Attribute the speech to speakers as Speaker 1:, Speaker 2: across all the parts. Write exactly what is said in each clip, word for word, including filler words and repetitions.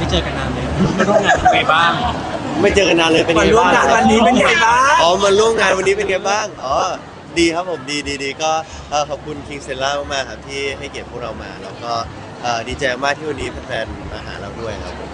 Speaker 1: ไม่เจอกันนานเลยมาร่วมงานเป็นไงบ้าง
Speaker 2: ไม่เจอกันนานเลยเป็นไงบ้าง
Speaker 3: มาร่วมงานวันนี้เป็นไงบ้าง
Speaker 2: อ๋อมาร่วมงานวันนี้เป็นไงบ้างอ๋อดีครับผมดีดีดีก็เอ่อขอบคุณคิงเซล่ามากๆครับที่ให้เกียรติพวกเรามาแล้วก็เอ่อดีใจมากที่วันนี้แฟนๆมาหาเราด้วยครับผม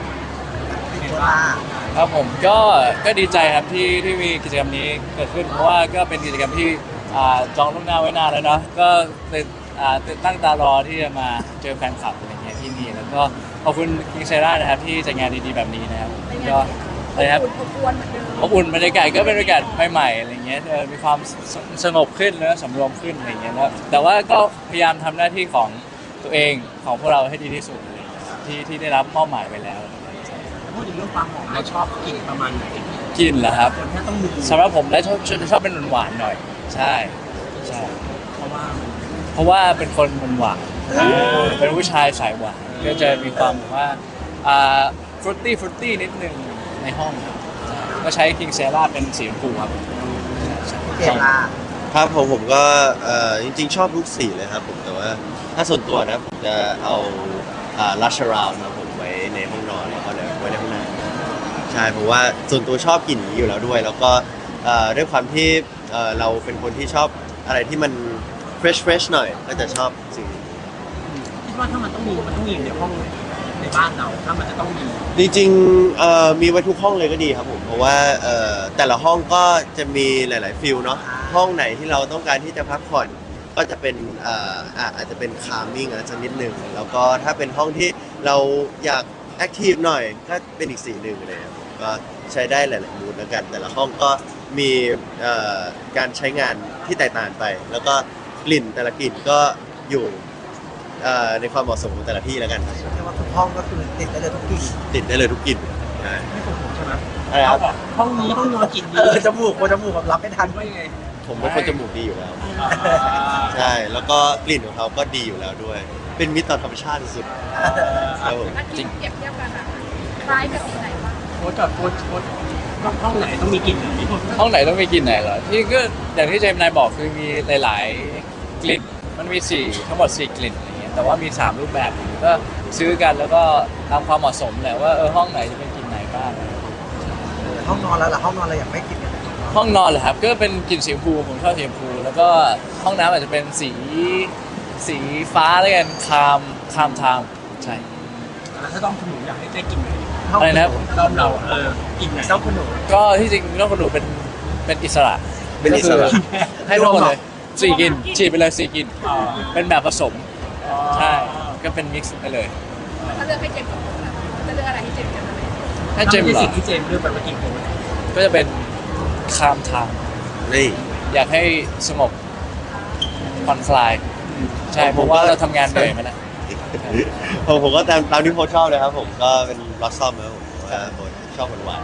Speaker 4: ครับผมก็ก็ดีใจครับที่ที่มีกิจกรรมนี้เกิดขึ้นเพราะว่าก็เป็นกิจกรรมที่อ่าจองล่วงหน้าไว้นานแล้วเนาะก็เป็นอ่าตั้งตารอที่จะมาเจอแฟนคลับอะไรเงี้ยที่นี่แล้วก็ขอบคุณคิงเซรานะครับที่จัดงานดีๆแบบนี้นะครับก็อะไรครับอบอุ่นบรรยากาศก็เป็นบรรยากาศใหม่ๆอะไรเงี้ยเออมีความสสงบขึ้นแล้วสำรวมขึ้นอะไรเงี้ยนะครับแต่ว่าก็พยายามทำหน้าที่ของตัวเองของพวกเราให้ดีที่สุดอะไรเงี้ยที่ที่ได้รับมอบหมายไปแล้ว
Speaker 1: พูดถึงเรื่องความหอมเราชอบกลิ่นประมาณไหน
Speaker 4: กินเหรอครับ
Speaker 1: คนแค่ต้องดู
Speaker 4: สำหรับผมแล้วชอบชอบเป็นหวานๆหน่อยใช่ใช่
Speaker 1: เพราะว่า
Speaker 4: เพราะว่าเป็นคนหวานๆเป็นผู้ชายสายหวานก็จะมีความแบบว่าอ่าฟรุตตี้ฟรุตตี้นิดนึงในห้องครับใช่ก็ใช้คิงเซราเป็นสีชมพูครับ
Speaker 3: เกล่า
Speaker 2: ครับผมผมก็เอ่อจริงๆชอบทุกสีเลยครับผมแต่ว่าถ้าส่วนตัวนะผมจะเอาอ่าลัชราวนะผมไว้ในห้องนอนแล้วก็ไว้ในห้องน้ำใช่เพราะว่าส่วนตัวชอบกลิ่นนี้อยู่แล้วด้วย แล้วก็เอ่อด้วยความที่เอ่อเราเป็นคนที่ชอบอะไรที่มัน fresh fresh หน่อยก็จะชอบสิ่งนี้
Speaker 1: คิดว่าถ้ามันต้องมีมันต้องมีในห้องในบ้านเราถ้ามันจะต้องมี
Speaker 2: จริงๆเอ่อมีไว้ทุกห้องเลยก็ดีครับผมเพราะว่าเอ่อแต่ละห้องก็จะมีหลายๆฟิลเนาะห้องไหนที่เราต้องการที่จะพักผ่อนก็จะเป็นเอ่ออ่ะอาจจะเป็นคามิ่งอาจจะนิดหนึ่งแล้วก็ถ้าเป็นห้องที่เราอยากแอคทีฟหน่อยก็เป็นอีกสีหนึ่งเลยครับผมก็ใช้ได้หลายๆมูดแล้วกันแต่ละห้องก็มีเอ่อการใช้งานที่แตกต่างไป แล้วก็กลิ่นแต่ละกลิ่นก็อยู่เอ่อในความเหมาะสมของแต่ละที่แล้วกันครับ
Speaker 3: เรียกว่าทุกห้องก็คือติดได้เลยทุกกลิ่น
Speaker 2: ติดได้เลยทุกกลิ่นใช่
Speaker 1: ไม่ปวดหัวใช่ไหม
Speaker 2: อะไรครับ
Speaker 1: ห้องนี้ต้องนอนกลิ่น
Speaker 3: เอ
Speaker 1: นี้
Speaker 3: อจมูกโคนจมูกแบบรับไม่ทัน
Speaker 1: ว่ายังไง
Speaker 2: ผมเป็นคนจมูกดีอยู่แล้ว ใช่ แล้วก็กลิ่นของเขาก็ดีอยู่แล้วด้วย เป็นมิตรต่อธรรมชาติสุดๆครับผม
Speaker 5: จริงเปรียบเทียบกันอะคล้ายกับสีไหนบ้าง
Speaker 1: โค้ชกับโค้ชโค้ชห้องไหนต้องมีกลิ่นไหน
Speaker 4: ห้องไหนต้องมีกลิ่นไหนเหรอที่ก็อย่างที่เจมส์นายบอกคือมีหลายๆกลิ่นมันมีสี่ทั้งหมดสี่กลิ่นอะไรเงี้ยแต่ว่ามีสามรูปแบบก็ซื้อกันแล้วก็ตามความเหมาะสมแหละว่าเออห้องไหนจะเป็นกลิ่นไหนบ้าง
Speaker 3: ห้องนอนแล้วล่ะห้องนอนเราอยากไม่กินกันเลย
Speaker 4: ห้องนอนเหรอครับก็เป็นกลิ่นสีชมพูผมชอบสีชมพูแล้วก็ห้องน้ำอาจจะเป็นสีสีฟ้าแล้วกันคามคามทามใช่
Speaker 1: แล้วถ้าต้องคุณหนูอยากให้ได้กลิ่นไหน
Speaker 4: อะไรนะครับ
Speaker 1: รอบเราเออกลิ่นไหน
Speaker 3: ต้องคุณหนู
Speaker 4: ก็ที่จริงน้องคนหนูเป็นเป็นอิสระ
Speaker 2: เป็นอิสระ
Speaker 4: ก็คือให้ทุกคนเลยสี่กลิ่นฉีดไปเลยสี่กลิ่น
Speaker 1: อ่า
Speaker 4: เป็นแบบผสมใช่ก็เป็นมิกซ์ไปเลย
Speaker 5: ถ้าเลือกให้เจมส์กับผมล่ะจะเลือกอะไรให้เจมส์กันไหม
Speaker 4: ถ้าเจมส์
Speaker 1: ไม่
Speaker 4: เหร
Speaker 1: ใช่
Speaker 4: อ
Speaker 1: สิ่งที่เจมส์เลือกไปเมื่อกี้โค้ช
Speaker 4: ก็จะเป็นคามทาง
Speaker 2: นี่
Speaker 4: อยากให้สงบผ่อนคลายใช่เพราะว่าเราทำงานเหนื่อยมาแล้ว
Speaker 2: ผมผมก็ตามตามที่โพสชอบเลยครับผมก็เป็นบล็อสซอมครับผมเพราะว่าโพสชอบหวาน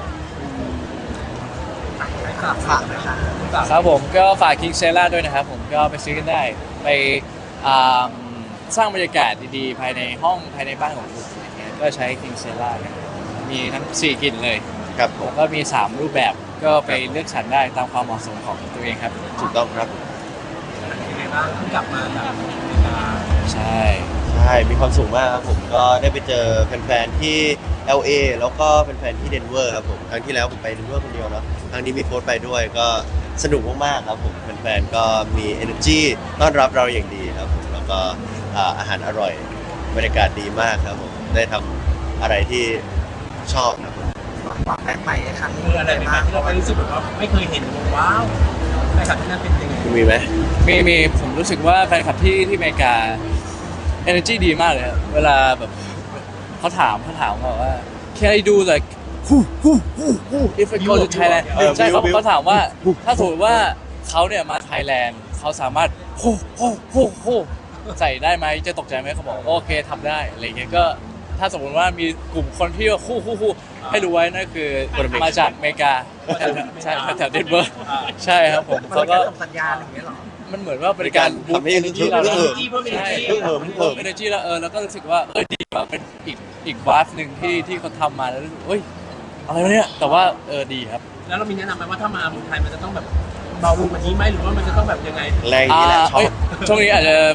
Speaker 3: ฝากฝากนะคะ
Speaker 4: ครับผมก็ฝากคิงเซล่าด้วยนะครับผมก็ไปซื้อกันได้ไปอ่าสร้างบรรยากาศดีๆ ภายในห้องภายในบ้านของคุณอย่างเงี้ยก็ใช้คิงเซล่ามีทั้งสี่กลิ่นเลย
Speaker 2: ๆครับผม
Speaker 4: แล้วก็มีสามรูปแบบก็ไปเลือกสรรได้ตามความเหมาะสมของตัวเองครับ
Speaker 2: ถูกต้องครับ
Speaker 1: ยังไงบ้างเพิ่งกลับมาจากอเมริกา
Speaker 4: ใช่
Speaker 2: ใช่มีความสุขมากครับผมก็ได้ไปเจอแฟนๆที่ แอล เอ แล้วก็แฟนๆที่เดนเวอร์ครับผมครั้งที่แล้วผมไปเดนเวอร์คนเดียวเนาะครั้งนี้มีโค้ชไปด้วยก็สนุกมากๆครับผมแฟนๆก็มี energy ต้อนรับเราอย่างดีครับผมแล้วก็อ่าอาหารอร่อยบรรยากาศดีมากครับผมได้ทำอะไรที่ชอบครับผม
Speaker 3: ฝากแบ็คใหม่ในครั้งนี้
Speaker 1: เมื่ออะไรใหม่ๆที่เราไปรู้สึกแบบว่าไม่เคยเห็นว้าวไปขับที่นั่นเป็นยังไง
Speaker 2: คุณมีไหม
Speaker 4: มีมีผมรู้สึกว่าแฟนคลับที่ที่อเมริกา energy ดีมากเลยครับเวลาแบบเขาถามเขาถามว่า can I do like who who who who if I go to Thailand
Speaker 2: เออ
Speaker 4: ใช่เขา
Speaker 2: บิว
Speaker 4: เขาถามว่าถ้าสมมติว่าเขาเนี่ยมาไทยแลนด์เขาสามารถโฮโฮโฮโฮใส่ได้ไหมจะตกใจไหมเขาบอกโอเคทำได้อะไรเงี้ยก็ถ้าสมมติว่ามีกลุ่มคนที่ว่าคู่คู่คู่ให้รู้ไว้นั่นคือมาจากอเมริกาใช่แถวเดนเวอร์ใช่ครับผม
Speaker 3: มัน
Speaker 4: เขา
Speaker 3: เป็น
Speaker 4: ก็
Speaker 3: การส่งสัญญาณอย่างเงี้ยเหรอ
Speaker 4: มันเหมือนว่าเป็นการบูส
Speaker 2: ทำให้
Speaker 4: ต์ energy เรา
Speaker 2: เพิ่
Speaker 4: แล้ว
Speaker 2: ม
Speaker 1: เพิ่ม
Speaker 4: ใช่
Speaker 1: energy
Speaker 2: เพิ่มเพิ่มเพิ่ม
Speaker 4: เอเนจีแล้วเออแล้วก็รู้สึกว่าเออดีว่ะเป็นอีกอีกวาฟหนึ่งที่ที่เขาทำมาแล้วรู้สึกเฮ้ยอะไรวะเนี่ยแต่ว่าเออดีครับ
Speaker 1: แล้วเรามีแนะนำไหมว่าถ้ามาเมืองไทยมันจะต้องแบบเบาลงกว่านี้ไหมหรือว่ามันจะต้องแบบยังไง
Speaker 2: แรงอย่างนี้แหละชอ
Speaker 4: เอ้ย
Speaker 2: บ
Speaker 4: ช่วงนี้อาจจะ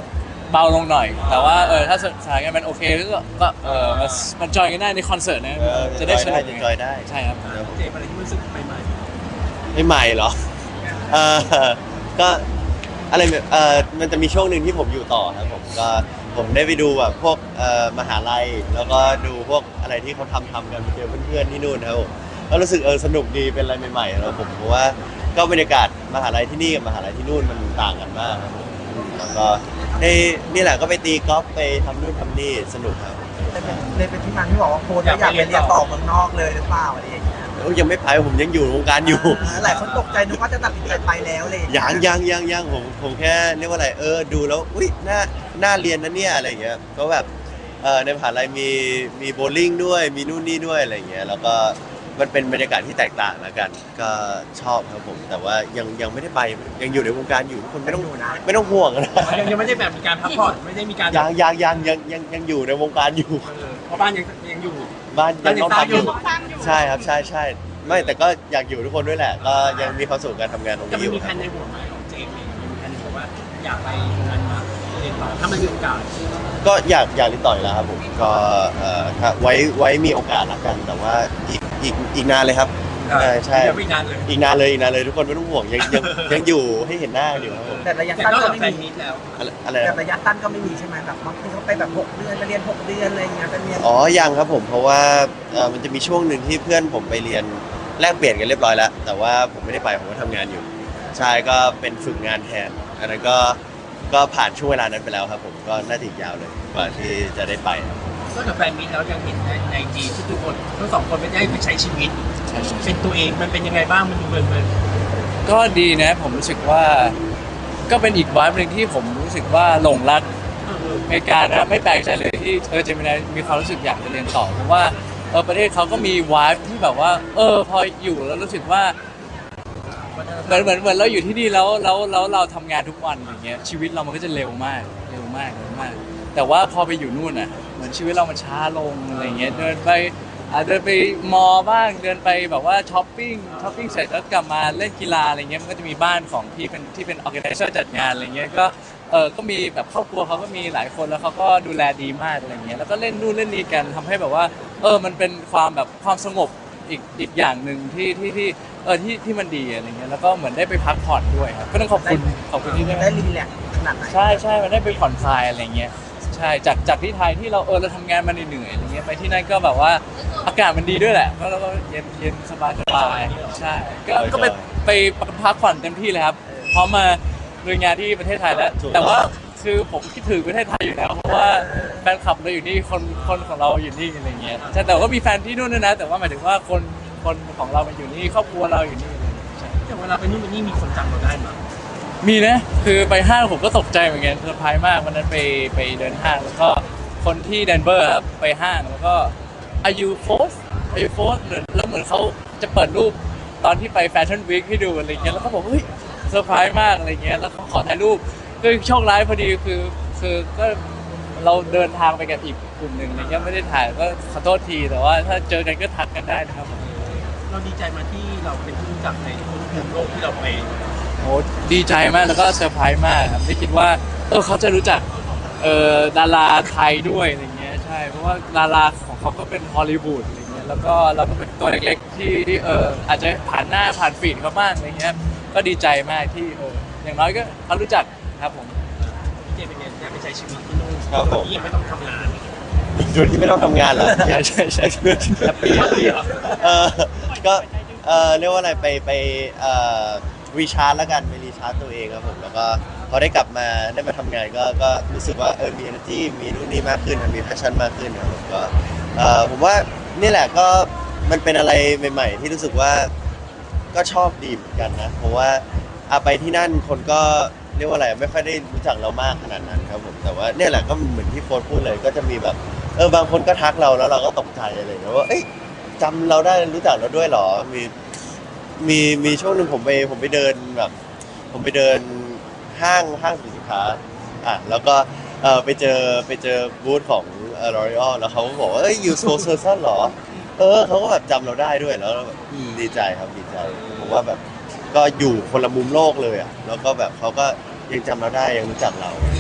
Speaker 4: เบาลงหน่อย แต่ว่าเออถ้าสถานการณ์มันโอเคก็ก็เออมันมันจอยกันได้ในคอนเสิร์ตนะ
Speaker 2: เออ
Speaker 4: จะได้สนุก
Speaker 2: จะจอยได้
Speaker 4: ใช่ครับ
Speaker 1: เจมส์อะไรที่รู้สึกใหม่
Speaker 2: ไม่ใหม่เหรอเออก็อะไรแบบเออมันจะมีช่วงหนึ่งที่ผมอยู่ต่อครับผมก็ผมได้ไปดูแบบพวกเอ่อมหาลัยแล้วก็ดูพวกอะไรที่เขาทำทำกันไปเจอเพื่อนๆที่นู่นครับผมก็รู้สึกเออสนุกดีเป็นอะไรใหม่ๆแล้วผมเพราะว่าก็บรรยากาศมหาลัยที่นี่กับมหาลัยที่นู่นมันต่างกันมากครับผมแล้วก็ได้นี่แหละก็ไปตีกอล์ฟไปทำนู่นทำนี่สนุกครับ
Speaker 3: เลยเป็นเลยเป็นที่มาที่บอกว่าโค้ชอยากไปเรียนต่อเมืองนอกเลยหรือเปล่าอะไรอย่างเงี้ย
Speaker 2: โอ้ยยังไม่ไปผมยังอยู่วงการอยู่
Speaker 3: หลายคนตกใจนึกว่าจะตัดสินใจไปแล้วเลย
Speaker 2: ยังยังยังยังผมผมแค่เรียกว่าอะไรเออดูแล้วอุ้ยน่าน่าเรียนนะเนี่ยอะไรอย่างเงี้ยก็แบบเออในมหาลัยมีมีโบว์ลิ่งด้วยมีนู่นนี่ด้วยอะไรอย่างเงี้ยแล้วก็มันเป็นบรรยากาศที่แตกต่างแล้วกัน ก็ชอบครับผม แต่ว่ายังยังไม่ได้ไปยังอยู่ในวงการอยู่ทุกคนไม่ต้องไม่ต้องห่วงนะ
Speaker 1: ๆยังยังไม่ได้แบบมีการพักผ่อนไม่ได้มีการ
Speaker 2: ยังยังยังยังยังยังอยู่ในวงการอยู่
Speaker 1: เออเพราะบ้านยังยังอยู่
Speaker 2: บ้านยังต้องพักอยู่
Speaker 5: ฟังอยู่
Speaker 2: ใช่ครับใช่ใช่ไม่แต่ก็อยากอยู่ทุกคนด้วยแหละ ก็ยังมีความสุขกับการทำงานตรง
Speaker 1: จะ
Speaker 2: นี้
Speaker 1: ไม่
Speaker 2: อยู่
Speaker 1: มีแผนในหัวไหมของเจมส์เองมีแผนในหัวว่าอยากไปตรงนั้นมาเรียนต่อถ้ามันมีโอกาส
Speaker 2: ก็อยากอยากเรียนต่ออยู่แล้วครับผมก็เอ่อถ้าไว้ไว้มีโอกาสละกัน แต่ว่าอีกอีกอีกนานเลยครับใช่ใช่
Speaker 1: ยังไม่นานเลย
Speaker 2: อีกนานเลยอีกนานเลยทุกคนไม่ต้องห่วงยังยังยังอยู่ให้เห็นหน้าอยู่ครับผม
Speaker 3: แต่ระยะ
Speaker 1: แต่
Speaker 3: สั้น
Speaker 1: นอก
Speaker 3: ก็
Speaker 1: จาก
Speaker 3: ไม่
Speaker 1: แฟน
Speaker 3: มี
Speaker 1: มิตแล้ว
Speaker 2: อะไรอะไร
Speaker 3: แต่
Speaker 2: นะ
Speaker 3: ระยะสั้นก็ไม่มีใช่ไหมแบบบางทีเขาไปแบบหกเดือนไปเรียนหกเดือนอะไรอย่างเงี้ยไปเรียน
Speaker 2: อ๋อยังครับผมเพราะว่าเอ่อมันจะมีช่วงหนึ่งที่เพื่อนผมไปเรียนแลกเปลี่ยนกันเรียบร้อยแล้ว แต่ว่าผมไม่ได้ไปผมก็ทำงานอยู่ใช่ก็เป็นฝึกงานแทนอันนั้นก็ก็ผ่านช่วงเวลานั้นไปแล้วครับผมก็น่าจะอีกยาวเลยกว่าที่จะได้ไปครับ
Speaker 1: นอกจากแฟนมิตแล้วยังเห็นในในจีที่ทุกคนทั้งสองคนไม่ได้ไปใช้ชีวิต
Speaker 4: ใช่ใช่
Speaker 1: เป็นตัวเองมันเป็นยังไงบ้างมันดูเบิร์นเบิร์น
Speaker 4: ก็ดีนะผมรู้สึกว่าก็เป็นอีกวายหนึ่งที่ผมรู้สึกว่าหลงรักอเมริกานะไม่แปลกใจเลยที่เออเจมินายมีความรู้สึกอยากจะเรียนต่อเพราะว่าเออประเทศเขาก็มีวายที่แบบว่า เออพออยู่แล้วรู้สึกว่าเหมือนเหมือนเหมือนเราอยู่ที่นี่แล้วแล้วแล้วเราทำงานทุกวันอย่างเงี้ยชีวิตเรามันก็จะเร็วมากเร็วมากเร็วมาก แต่ว่าพอไปอยู่นู่นอ่ะเหมือนชีวิตเรามันช้าลงอะไรเงี้ยเดินไปอ่าเดินไปมอบ้างเดินไปแบบว่าช้อปปิ้งช้อปปิ้งเสร็จแล้วกลับมาเล่นกีฬาอะไรเงี้ยมันก็จะมีบ้านของที่เป็นที่เป็นออแกไนเซอร์จัดงานอะไรเงี้ยก็เออก็มีแบบครอบครัวเขาก็มีหลายคนแล้วเขาก็ดูแลดีมากอะไรเงี้ยแล้วก็เล่นนู่นเล่นนี่กันทำให้แบบว่าเออมันเป็นความแบบความสงบอีกอีกอย่างหนึ่งที่ที่ที่เออที่ที่มันดีอะไรเงี้ยแล้วก็เหมือนได้ไปพักผ่อนด้วยครับก็ต้องขอบคุณขอบคุณที่ได้
Speaker 3: ได้รีแลกซ์ขนาดไหน
Speaker 4: ใช่ใช่มันได้ไปผ่อนคลายอะไรเงี้ยใช่จากจากที่ไทยที่เราเออเราทำงานมาเหนื่อยๆอะไรเงี้ยไปที่นั่นก็แบบว่าอากาศมันดีด้วยแหละแล้วเราก็เย็นเย็นสบายสบายใช่ก็ก็ไปไปพักผ่อนเต็มที่เลยครับพร้อมมาลุยงานที่ประเทศไทยแล้ว แต่ว่าคือผมคิดถึงประเทศไทยอยู่แล้วเพราะว่าแฟนคลับเราอยู่นี่คนคนของเราอยู่นี่อะไรเงี้ยใช่แต่ว่ามีแฟนที่นู่นด้วยนะแต่ว่าหมายถึงว่าคนคนของเรามันอยู่นี่ครอบครัวเราอยู่นี่อะไรเงี้ยใช่
Speaker 1: แต่เวลาไปนู่นไปนี่มีคนจำเราได้ไหม
Speaker 4: มีนะ คือไปห้างผมก็ตกใจเหมือนกันเซอร์ไพรส์มากวันนั้นไปไปเดินห้างแล้วก็คนที่เดนเวอร์ครับไปห้างแล้วก็อายุโฟสอายุโฟสแล้วเหมือนเขาจะเปิดรูปตอนที่ไปแฟชั่นวีคให้ดูอะไรเงี้ยแล้วก็บอกเฮ้ยเซอร์ไพรส์มากอะไรเงี้ยแล้วเขาขอถ่ายรูปคือโชคร้ายพอดีคือคือก็เราเดินทางไปกับอีกกลุ่มหนึ่งอะไรเงี้ยไม่ได้ถ่ายก็ขอโทษทีแต่ว่าถ้าเจอกันก็ทักกันได้นะครับ
Speaker 1: เราดีใจมาที่เราเป็นที่รู้จักในทุกภูมิโลกที่เราไป
Speaker 4: โอ้ดีใจมากแล้วก็เซอร์ไพรส์มากครับไม่คิดว่าเออเขาจะรู้จักเออดาราไทยด้วยอะไรเงี้ยใช่เพราะว่าดาราของเขาก็เป็นฮอลลีวูดอะไรเงี้ยแล้วก็เราก็เป็นตัวเล็กๆที่ที่เอออาจจะผ่านหน้าผ่านฟีดเขาบ้างอะไรเงี้ยก็ดีใจมากที่เอออย่างน้อยก็เขารู้จักครับผม
Speaker 1: เจเป็นไงได้ไปใช้ชีวิตที่นู่น
Speaker 2: ครับผม
Speaker 1: ที่ยังไม่ต้องทำงาน
Speaker 2: โดยที่ไม่ต้องทำงานเหรอ
Speaker 4: ใช่ใช่ใช่แฮปปี้แฮปปี้
Speaker 2: เออก็เออเรียกว่าอะไรไปไปเอ่อรีชาร์จแล้วกันไปรีชาร์จตัวเองครับผมแล้วก็พอได้กลับมาได้มาทำงานก็ก็รู้สึกว่าเออมี energy มีนู่นนี่มากขึ้นมี passion มากขึ้นครับผมก็เออผมว่านี่แหละก็มันเป็นอะไรใหม่ๆ ที่รู้สึกว่าก็ชอบดีเหมือนกันนะเพราะว่าอาไปที่นั่นคนก็เรียกว่าอะไรไม่ค่อยได้รู้จักเรามากขนาดนั้นครับผมแต่ว่าเนี่ยแหละก็เหมือนที่โฟนพูดเลยก็จะมีแบบเออบางคนก็ทักเราแล้วเราก็ตกใจอะไรอย่างเงี้ยว่าเอ้ยจำเราได้รู้จักเราด้วยเหรอมีมีมีช่วงหนึ่งผมไปผมไปเดินแบบผมไปเดินห้างห้างสรรพสินค้าอ่ะแล้วก็เออไปเจอไปเจอบูธของเออ L'Oreal แล้วเขาก็บอกว่าเอ้ยยูโซเซอร์ซันเหรอเออเขาก็แบบจำเราได้ด้วยแล้วแบบอืมดีใจครับดีใจผมว่าแบบก็อยู่คนละมุมโลกเลยอ่ะแล้วก็แบบเขาก็ยังจำเราได้ยังรู้จักเรา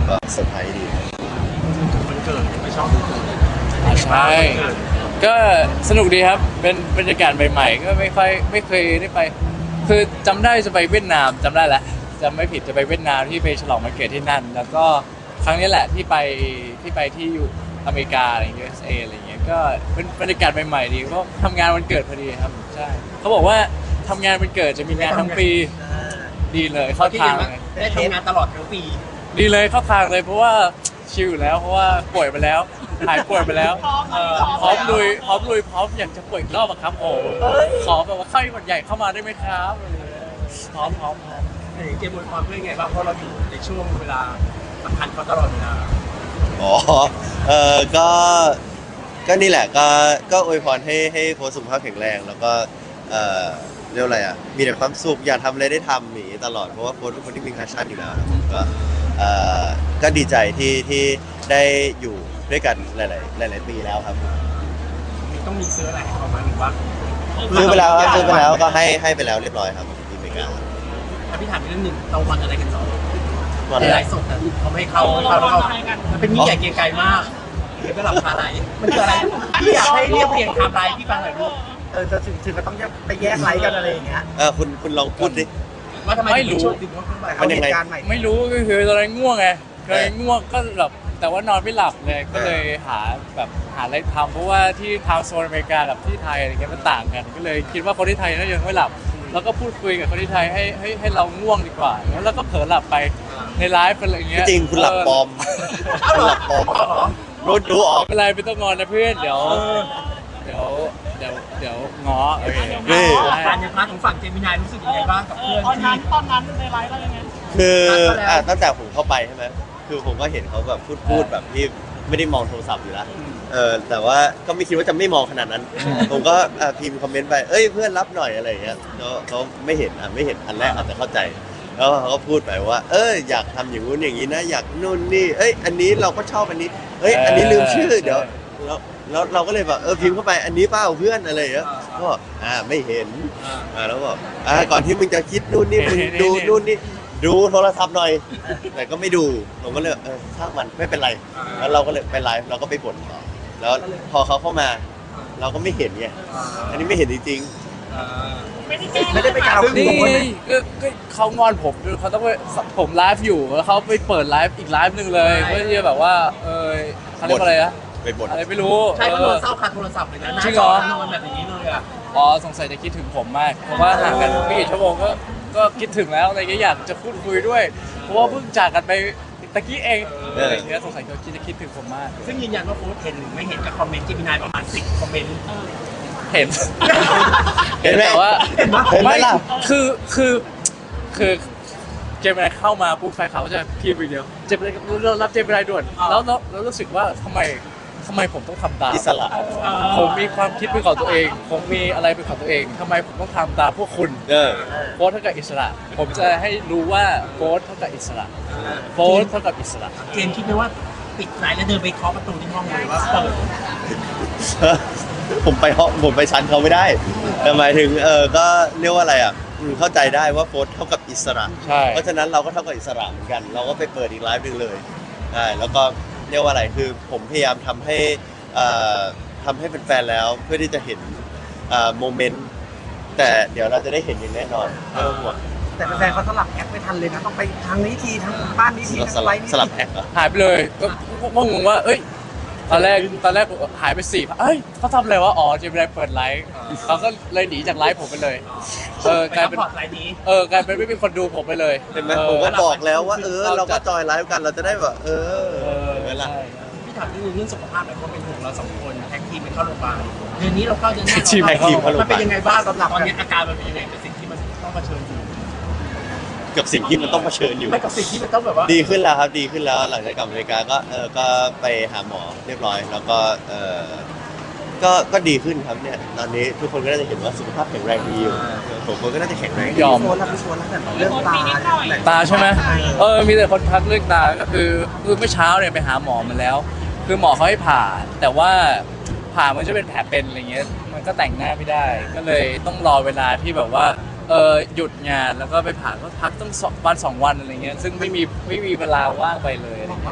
Speaker 2: ก็เซอร์ไพรส์ดี
Speaker 1: มันเกิดไม่ชอบมันเกิด
Speaker 4: อ่าใช่ก็สนุกดีครับเป็นบรรยากาศใหม่ๆก็ไม่ค่อยไม่เคยได้ไป คือจำได้จะไปเวียดนามจำได้แหละจำไม่ผิดจะไปเวียดนามที่ไปฉลองวันเกิดที่นั่น แล้วก็ครั้งนี้แหละที่ไปที่ไปที่อยู่อเมริกาอะไร ยู เอส เอ อะไรเงี้ยก็เป็นบรรยากาศใหม่ๆดีเพราะทำงานวันเกิดพอดีครับใช่เขาบอกว่าทำงานวันเกิดจะมีงานทั้งปีดีเลยเข้าทางเลย
Speaker 1: ได้ทำงานตลอดทั้งปี
Speaker 4: ดีเลยเข้าทางเลยเพราะว่าชิลอยู่แล้วเพราะว่าป่วยไปแล้วหายป่วยไปแล้วพร้อมลุยพร้อมลุยพร้อมอยากจะป่วยอีกรอบอะครับโอ้ขอแบบว่าไข้หวัดใหญ่เข้ามาได้ไหมครับพร้อมพร้อมพร้อม
Speaker 1: เห็นเกมบวยความเพื่อนไงบ้างเพราะเราอยู่ในช่วงเวลาสำคัญเขาตลอดเวลา
Speaker 2: อ๋อเออก็ ก็นี่แหละ ก็ ก็อวยพรให้ ให้โพสต์สุขภาพแข็งแรง แล้วก็ เอ่อ เรียกว่าอะไรอ่ะ มีแต่ความสุข อยากทำอะไรได้ทำอย่างนี้ตลอด เพราะว่าโพสต์เป็นคนที่มีแพชชั่นอยู่แล้วครับผมก็ เอ่อ ก็ดีใจที่ ที่ได้อยู่ด้วยกันหลาย ๆ หลาย ๆ ปีแล้วครับ
Speaker 1: มีต้องมีซื้ออะไรให้เขาไหมหรือว่า
Speaker 2: ซื้อไปแล้วครับซื้อไปแล้ว ก็ให้ ให้ไปแล้วเรียบร้อยครับที่อเมริกา
Speaker 1: ถ้าพี่ถามอีกเรื่องหนึ่งเราวันอะไรกันต่อ
Speaker 2: วัน
Speaker 1: ใน
Speaker 2: อะไร
Speaker 1: ไลฟ์สดแต่เขาไม่ให้เข้าไม่เข้าเรามันเป็นยิ่งใหญ่เกรียงไกรมากก็หลับคาไหลมันคืออะไรพี่อยากให้เรียบเรียงไทม์ไลน์พี่ฟังหน่อยลูก
Speaker 3: เออจะถึงถึงก็ต้องไปแยกไลฟ์กันอะไรอย่างเงี้ย
Speaker 2: เออคุณ คุณลองพูดดิ
Speaker 1: ว่าทำไมถึงเป็นช่วงดึกว่าขึ้นไป
Speaker 2: มันยังไง
Speaker 3: เอาเหตุการณ์ใหม่
Speaker 4: ไม่รู้ก็คือตอนนั้นง่วงไงเคยง่วงก็แบบแต่ว่านอนไม่หลับเลยก็เลยหาแบบหาอะไรทำเพราะว่าที่ทางโซนอเมริกากับที่ไทยอะไรเงี้ยมันต่างกัน ก็เลยคิดว่าคนที่ไทยน่าจะยังไม่หลับ แล้วก็พูดคุยกับคนที่ไทยให้ให้ให้เราง่วงดีกว่าแล้วเราก็เผลอหลับไปในไลฟ์อะไรเงี้ย
Speaker 2: จริงคุณหลับปลอม คุณหลับปลอมรู้ดูออก
Speaker 4: ไม่เป็นไรไม่ต้องงอนนะเพื่อนเดี๋ยวเดี๋ยวเดี๋ยวเดี๋ยวง้อโอเค
Speaker 2: นี่
Speaker 1: การในพาร์ทของฝั่งเจมินายรู้สึกยังไงบ้างกับเพื่อน
Speaker 5: ตอน
Speaker 1: ที่
Speaker 5: นั้นตอนนั้นในไลฟ์เรายังไง
Speaker 2: คืออ่ะตั้งแต่ผมเข้าไปใช่ไหมคือผมก็เห็นเขาแบบพูดพูดแบบที่ไม่ได้มองโทรศัพท์อยู่แล้วเออแต่ว่าก็ไม่คิดว่าจะไม่มองขนาดนั้น ผมก็อ่ะพิมพ์คอมเมนต์ไปเอ้ยเพื่อนรับหน่อยอะไรอย่างเงี้ยเขาเขาไม่เห็นอ่ะไม่เห็นอันแรกอาจจะเข้าใจ แล้วเขาก็พูดไปว่า เอออยากทำอย่างนู้นอย่างนี้นะอยากนู่นนี่เอ้ยอันนี้เราก็ชอบอันนี้เอ้ยอันนี้ลืมชื่อเดี๋ยวแล้วแล้วเราก็เลยแบบเออพิมพ์เข้าไปอันนี้เปล่าเพื่อนอะไรอย่างเงี้ยก็บอกอ่าไม่เห็น อ่าแล้วบอกอ่าก่อนที่มึงจะคิดนู่นนี่มึงดูนู่นนี่ดูโทรศัพท์หน่อย แต่ก็ไม่ดูผมก็เลยเออช่างมันไม่เป็นไร แล้วเราก็เลยไปไลฟ์เราก็ไปบ่นต่อแล้วพอเขาเข้ามา เราก็ไม่เห็นไงอันนี้ไม่เห็นจริง
Speaker 3: ไม่ได้ไปกล่าว
Speaker 4: นี่
Speaker 3: ขู่คนเลย
Speaker 4: ก็ก็เขางอนผมด้วยเขาต้องไปผมไลฟ์อยู่แล้วเขาไปเปิดไลฟ์อีกไลฟ์หนึ่งเลยเพื่อที่จะแบบว่าเออเขาเรียกว่าอะไรนะ
Speaker 2: ๆไปบ่น
Speaker 4: อะไรไม่รู้
Speaker 1: ใช่ก็
Speaker 4: เอ
Speaker 1: โด
Speaker 4: อน
Speaker 1: เศร้าคาโทรศัพท์เลยนะหน้า
Speaker 4: จริง
Speaker 1: จ
Speaker 4: เหร
Speaker 1: อ
Speaker 4: อ
Speaker 1: นอนแบบอย่างนี้เลยอ่ะ
Speaker 4: อ๋อสงสัยจะคิดถึงผมมาก เพราะว่าห่างกันไม่กี่ชั่วโมงก็ก็คิดถึงแล้วอะไรเงี้ยอยากจะพูดคุยด้วย เพราะว่าเพิ่งจากกันไปตะกี้เองอะไรเงี้ยสงสัยเขาคิดจะคิดถึงผมมาก
Speaker 1: ซึ่งยืนยันว่าโฟร์เห็นหรือไม่เห็นกับคอมเมนต์เจมินายประมาณสิบคอมเมนต์
Speaker 4: เห็น
Speaker 2: เห็นไหม
Speaker 4: แต่ว่า
Speaker 2: เห็นไหมล่ะ
Speaker 4: คือคือคือเจมินายเข้ามาปุ๊บแฟนเขาจะพิมพ์อีกเดียวเจมินายเรารับเจมินายด่วนแล้วแล้วแล้วรู้สึกว่าทำไมทำไมผมต้องทำตาม
Speaker 2: อิสระ
Speaker 4: ผมมีความคิดเป็นของตัวเอง ผมมีอะไรเป็นของตัวเองทำไมผมต้องทำตามพวกคุณ
Speaker 2: เออ
Speaker 4: โฟร์เท่ากับอิสระ ผมจะให้รู้ว่าโฟร์เท่ากับอิสระโฟร์เท่ากับอิสระ
Speaker 1: เจมส์คิดไหมว่าปิดไลน์แล้วเดินไปเคาะประตูที่ห้องเลยว่าเปิด
Speaker 2: ผมไปห้องผมไปชั้นเขาไม่ได้แต่หมายถึงเออก็เรียกว่าอะไรอ่ะอืมเข้าใจได้ว่าโฟร์เท่ากับอิสระ
Speaker 4: ใช่
Speaker 2: เพราะฉะนั้นเราก็เท่ากับอิสระเหมือนกัน เราก็ไปเปิดอีกไลฟ์หนึงเลยใช่แล้วก็เรียกว่าอะไรคือผมพยายามทำให้เอ่อทำให้เป็นแฟนๆแล้วเพื่อที่จะเห็นเอ่อโมเมนต์แต่เดี๋ยวเราจะได้เห็นอย่างแน่นอนไม่ต้องห่วง
Speaker 3: แต่แฟนๆเขาสลับแอปไม่ทันเลยนะต้องไปทางนี้ทีทางบ้านนี้ที
Speaker 2: เรา
Speaker 3: ทาง
Speaker 2: ส
Speaker 3: ไล
Speaker 2: ลับ
Speaker 3: ฟ์นี้
Speaker 2: สลับ
Speaker 3: ที
Speaker 2: แอคเหรอ
Speaker 4: หายไปเลยก็ก็ก็งงว่าเอ้ยตอนแรกตอนแรกหายไปสี่เอ้ยเขาทำอะไรวะอ๋อเจมินายเปิดไลฟ์เขาก็เลยหนีจากไลฟ์ผมไปเลยเออ
Speaker 1: ไป
Speaker 4: กลาย
Speaker 1: ซัพ
Speaker 4: เป็น
Speaker 1: พอร์ตไลน์นี้
Speaker 4: เออกลายเป็นไม่มีคนดูผมไปเลย
Speaker 2: เห็นไหม
Speaker 4: ออ
Speaker 2: ผมก็บอกแล้วว่าเออ
Speaker 4: เรา
Speaker 2: เราก็
Speaker 4: จัด
Speaker 2: จอยไลฟ์กันเราจะได้แบบเออ
Speaker 4: เออ
Speaker 2: เห็นไหมล่ะ
Speaker 4: ใช่
Speaker 1: พี่ถามนิดนึงเรื่องสุขภาพหน่อยเพราะเป็นห่วงเราสองคนแท็กทีมไปเข้าโรงพยาบาลเดือนนี้เราเข้าเดือนหน้า
Speaker 2: ทีมแท็กทีมเข้าโรงพยาบาล
Speaker 1: มันเป็นยังไงบ้างสำหรับตอนนี้อาการมันเป็นยังไงกับสิ่งที่มันต้องเผชิญอยู่
Speaker 2: กับสิ่งที่มันต้องเผชิญอยู่
Speaker 1: ไม่กับสิ่งที่มันต้องแบบว่า
Speaker 2: ดีขึ้นแล้วครับดีขึ้นแล้วหลังจากกลับอเมริกาก็เออก็ไปหาหมอเรียบร้อย แล้วก็เออก็ก็ดีขึ้นครับเนี่ยตอนนี้ทุกคนก็น่าจะเห็นว่าสุขภาพแข็งแรงดีอยู่ผมก็น่าจะแข็งแรงดี
Speaker 4: ยอม
Speaker 3: โซนแล้วพี่โซนแล้วแต่เรื่องตาแต่
Speaker 4: ตาใช่ไหมเออ มีแต่คนทักเรื่องตา ก็คือคือเมื่อเช้าเนี่ยไปหาหมอมาแล้ว คือหมอเขาให้ผ่า แต่ว่าผ่ามันจะเป็นแผลเป็นอะไรเงี้ย มันก็แต่งหน้าไม่ได้ ก็เลยต้องรอเวลาที่แบบว่า เออหยุดงานแล้วก็ไปผ่าก็พักต้องสองวันสองวันอะไรเงี้ย ซึ่งไม่มีไม่มีเวลาว่างไปเลยอะไรเงี้ย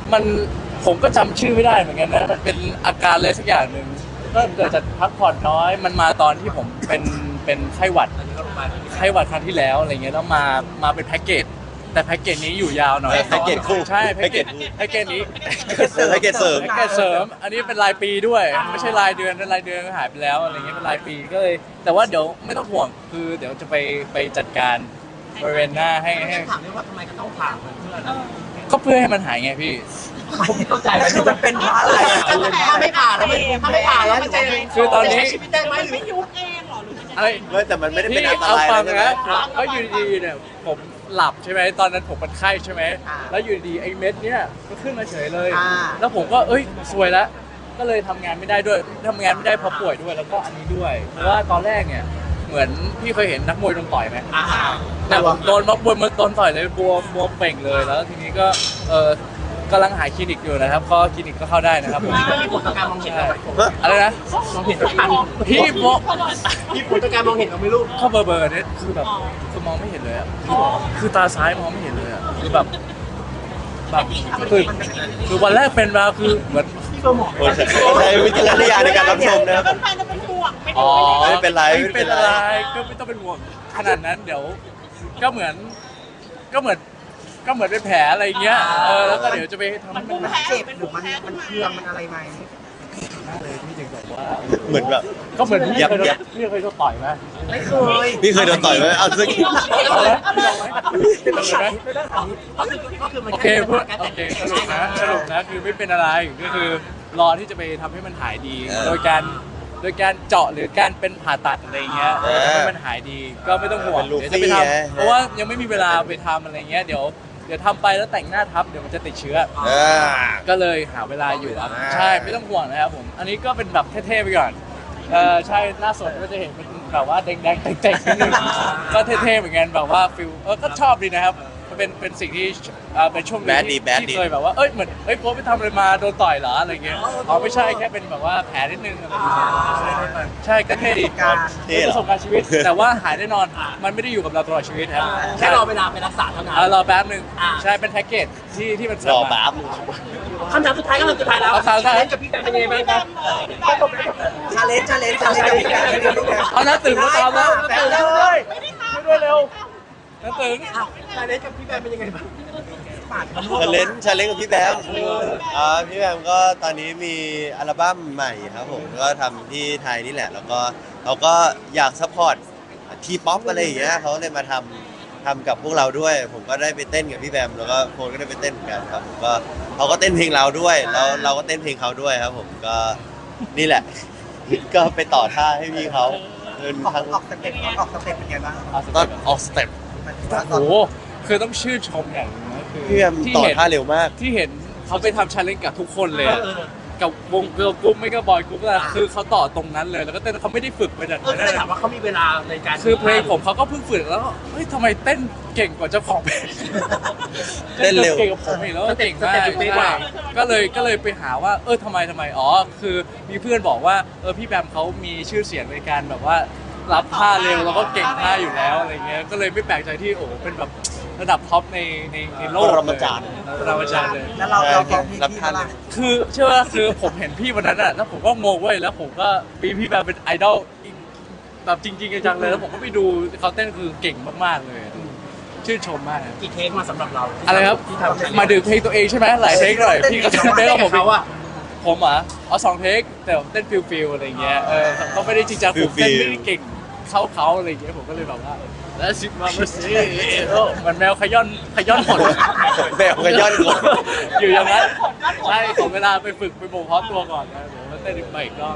Speaker 4: มันผมก็จำชื่อไม่ได้เหมือนกันนะมันเป็นอาการอะไรสักอย่างหนึ่งก็เกิดจากพักผ่อนน้อยมันมาตอนที่ผมเป็นเป็นไข้หวัดไข้หวัดครั้งที่แล้วอะไรเงี้ยแล้วมามาเป็นแพ็กเกจแต่แพ็กเกจนี้อยู่ยาวหน่อย
Speaker 2: แพ็กเกจคู่
Speaker 4: ใช่แพ็กเกจแพ็กเกจนี้
Speaker 2: แพ็กเกจเสริม
Speaker 4: แพ็กเกจเสริม อันนี้เป็นรายปีด้วย ไม่ใช่รายเดือนนะรายเดือนก็หายไปแล้วอะไรเงี้ยเป็นรายปีก็เลย แต่ว่าเดี๋ยวไม่ต้องห่วงคือเดี๋ยวจะไปไปจัดการบริเวณหน้าให้ให้
Speaker 1: ถามได้ว่าทำไมก็ต้องถามเพื่อน
Speaker 4: ก็เพื่อให้มันหายไงพี่
Speaker 1: ผมเข้าใจ
Speaker 3: แต่คือมันเป็นเพราะอะไรอ่ะ
Speaker 1: ถ้าไม่ผ่านแล้วมันถ้าไม่ผ่านแล้วมันจะ
Speaker 4: คือตอนนี้
Speaker 1: ใช้ชีวิตได้ไหมหรือ
Speaker 5: ไม่ยุบเองเหรอหรือมันจะ
Speaker 4: เอ้ย
Speaker 2: ไม่แต่มันไม่ได้เป็น
Speaker 4: พี่
Speaker 2: อันต
Speaker 4: เอา
Speaker 2: ราย
Speaker 4: ฟัง
Speaker 2: ใช่ไหม
Speaker 4: นะก็อยู่ดีๆเนี่ยผมหลับใช่ไหมตอนนั้นผมเป็นไข้ใช่ไหมแล้วอยู่ดีๆไอ้เม็ดเนี่ยก็ขึ้นมาเฉยเลย แล้วผมก็เอ้ยซวยแล้วก็เลยทำงานไม่ได้ด้วยทำงานไม่ได้เพราะป่วยด้วยแล้วก็อันนี้ด้วย เพราะว่าตอนแรกเนี่ยเหมือนพี่เคยเห็นนักมวยโดนต่อยไหม
Speaker 1: อ่า
Speaker 4: แต่ผมโดนนักมวยมาโดนต่อยเลยบวมบวมเป่งเลยแล้วทีนี้ก็เออกำลังหาคลินิกอยู่นะครับก็คลินิกก็เข้าได้นะครับผม
Speaker 1: ไม่มีผลต่อการมองเห็นเราไหม
Speaker 4: อะไรนะ
Speaker 1: มองเห็นทัน
Speaker 4: พี่โม
Speaker 1: มีผลต่อการมองเห็นเราไหม่รู้
Speaker 4: เข้าเบอร์เบอร์เนี่ยคือแบบคือมองไม่เห็นเลยอะคือตาซ้ายมองไม่เห็นเลยอะคือแบบแบบคือคือวันแรกเป็นมาคือเหมือน
Speaker 1: พี่ก็หมอ
Speaker 2: โอ้ใช่ใช้วิจารณญาณในการรับชมนะครับ
Speaker 5: แฟนๆจะเป็นห่วงไม่
Speaker 4: อ๋อ
Speaker 5: ได้
Speaker 2: ไม่เป็นไร
Speaker 4: ไม่เป็นอะไรก็ไม่ต้องเป็นห่วงขนาดนั้นเดี๋ยวก็เหมือนก็เหมือนก็เหมือนเป็นแผลอะไรเงี้ยเออแล้วก็เดี๋ยวจะไปทำให้มัน
Speaker 5: แพ้
Speaker 3: เจ็บ
Speaker 5: เป็น
Speaker 3: หรือมันมันเคืองมันอะไรไหม
Speaker 4: เลยพี่ถึงบอกว่า
Speaker 2: เหมือนแบบ
Speaker 4: ก็เหมือนพี่
Speaker 2: ยับ
Speaker 4: เคยโด
Speaker 2: ยั
Speaker 4: น
Speaker 2: บ
Speaker 4: พี่เคยโดนต่อยไหม
Speaker 3: ไม่เคย
Speaker 2: พี่เคยโดนต่อยไหมเอาสัก
Speaker 4: เอาเลยพี่ลองไหมพี่ลองไหม
Speaker 1: ก็คือก็คือมัน
Speaker 4: โอเคเพื่อนโอเคสรุปนะสรุปนะคือไม่เป็นอะไรก็คือรอที่จะไปทำให้มันหายดี โดยการโดยการเจาะหรือการเป็นผ่าตัดอะไรเงี้ยทำให้มันหายดีก็ไม่ต้องห่วงเดี๋ยวจะไปทำเพราะว่ายังไม่มีเวลาไปทำอะไรเงี้ยเดี๋ยวเดี๋ยวทำไปแล้วแต่งหน้าทับเดี๋ยวมันจะติดเชื้อ
Speaker 2: เออ
Speaker 4: ก็เลยหาเวลาอยู่ครับ
Speaker 2: อ่า
Speaker 4: ใช่ไม่ต้องห่วงนะครับผมอันนี้ก็เป็นแบบเท่ๆไปก่อนเออใช่หน้าสดก็จะเห็นเป็นแบบว่าแดงๆเจ๋งๆนิดนึงก็เท่ๆเหมือนกันแบบว่าฟิลเออก็ชอบดีนะครับมันเป็นเป็นสิ่งที่เอ่อเป็นช่วงหนึง
Speaker 2: แบดดี
Speaker 4: ที่
Speaker 2: แบดดี
Speaker 4: ที่เคยแบบว่าเอ้ยเหมือนเอ้ยโพสไปทำอะไรมาโดนต่อยเหรออะไรเงี้ยอ๋อไม่ใช่แค่เป็นแบบว่าแผลนิดนึงอะไรอย่างเงี้ยใช่ก็เท่ดี
Speaker 3: การ
Speaker 2: เท่
Speaker 4: เป็น
Speaker 2: เหรอ
Speaker 4: ประสบการณ์ชีวิต แต่ว่าหายแน่นอนมันไม่ได้อยู่กับเราตลอดชีวิตครับ
Speaker 1: แค่รอเวลาไปรักษาเท่านั้น
Speaker 4: อ่ารอแป๊บหนึ่ง
Speaker 1: อ่า
Speaker 4: ใช่เป็นแพ็กเกจที่ที่มันเส
Speaker 2: ร
Speaker 4: ม
Speaker 2: อ
Speaker 4: มา
Speaker 2: แป๊บ
Speaker 1: คำถามสุดท้ายก็คือสุดท้ายแล้ว
Speaker 4: เอาคำถามสุดท้าย
Speaker 1: เล่นกับพี่แต่เป็นยังไงบ้างครับ
Speaker 3: ชาเลนจ์ชาเลนจ์ชาเลนจ์กับพี่แกชาเลนจ์กับพี่แก
Speaker 4: เอาน้าตื่นมาตามแล้ว
Speaker 3: แต่
Speaker 4: ตื่น
Speaker 3: เล
Speaker 4: เลย ยช่วยด้วยเร็วน้าตื่น
Speaker 1: อ้าวการเล่นกับพี่แบมเป็นยังไงบ้าง
Speaker 3: ปาดมัน
Speaker 2: ชาเลนจ์ชาเลนจ์กับพี่แบมอ่าพี่แบมก็ตอนนี้มีอัลบั้มใหม่ครับผมก็ทำที่ไทยนี่แหละ แล้วก็เขาก็อยากซัพพอร์ตทีป๊อปอะไรอย่างเงี้ยเขาเลยมาทำทำกับพวกเราด้วย ผมก็ได้ไปเต้นกับพี่แบมแล้วก็โฟนก็ได้ไปเต้นเหมือนกันครับผมก็เขาก็เต้นเพลงเราด้วยแล้วเราก็เต้นเพลงเขาด้วยครับผมก็นี่แหละ ก็ไปต่อท่าให้พี่เขาเดิน
Speaker 3: ออก
Speaker 2: ทั้ง
Speaker 3: ออกสเต็ปออกสเต็ปเป็นไงบ้าง
Speaker 4: เอาส
Speaker 2: ตอ
Speaker 4: เต็
Speaker 2: น
Speaker 4: ป
Speaker 2: ออกสเต็ป
Speaker 3: มันถือว่าต
Speaker 4: โอ้
Speaker 3: อน
Speaker 4: โหคือต้องชื่นชมอย่างหนึงนะคือ
Speaker 2: พี่แบม
Speaker 4: ที่
Speaker 2: ต่อ
Speaker 4: เห็น
Speaker 2: ท่าเร็วมาก
Speaker 4: ที่เห็นเขาไปทำชาเลนจ์กับทุกคนเลยอะกับวงเกิร์ลกรุ๊ปไม่ก็บอยกรุ๊ปอะคือเขาต่อตรงนั้นเลยแล้วก็เต้นเขาไม่ได้ฝึกไปจาก
Speaker 1: เออก็เลยถามว่าเขามีเวลาในการ
Speaker 4: คือเพลงผมเขาก็เพิ่งฝึกแล้วก็เฮ้ยทำไมเต้นเก่งกว่าเจ้าของเพลง
Speaker 2: เต้นเร็ว
Speaker 4: เก่งกว่าผมอีกแล้วเก่งมากใช่ก็เลยก็เลยไปหาว่าเออทำไมทำไมอ๋อคือมีเพื่อนบอกว่าเออพี่แบมเขามีชื่อเสียงในการแบบว่ารับท่าเร็วแล้วก็เก่งท่าอยู่แล้วอะไรเงี้ยก็เลยไม่แปลกใจที่โอ้โหเป็นแบบระดับท็อปในในในโลก
Speaker 2: ปรมาจารย์
Speaker 4: ปรมาจารย์เลย
Speaker 3: แล้วเราเราเราพี่
Speaker 2: รับ
Speaker 3: พี่
Speaker 2: ท่า
Speaker 3: ว่า
Speaker 2: เร็ว
Speaker 4: คือเชื่อว่าคือผมเห็นพี่วันนั้นอ่ะแล้วผมก็งงเว้ยแล้วผมก็ปีพี่แบมเป็นไอดอลอีกแบบจริงๆจังๆเลยแล้วผมก็ไปดูเขาเต้นคือเก่งมากๆเลยชื่นชมมากครับ
Speaker 1: กี่เทคมาสำหรับเรา
Speaker 4: อะไรครับ
Speaker 1: ที่ทำ
Speaker 4: มาดื่มเพลงตัวเองใช่ไหมหลายเทคหน่อยพี่ก็เต้นกับผม
Speaker 1: เขาอะ
Speaker 4: ผมอ่ะเอาสองเทคแต่ผมเต้นฟิลฟิลอะไรเงี้ยเออเขาไม่ได้จริงจังผมเต้นไม่ได้เก่งเขาเขาอะไรเงี้ยผมก็เลยแบบว่าแล้วสิมาเมื่อสิเออเหมือนแมวขย้อนขย้อนผล
Speaker 2: แมวขย้อนผล
Speaker 4: อยู่อย่างนั้นใช่ขอเวลาไปฝึกไปบ่มเพาะตัวก่อนนะเดี๋ยวมาเต้นอีกใหม่อีกรอบ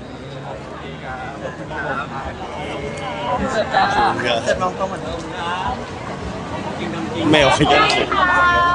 Speaker 3: เสร็จลองตัวเหมือนเดิม
Speaker 2: แมวขย้อนผล
Speaker 5: ค่ะ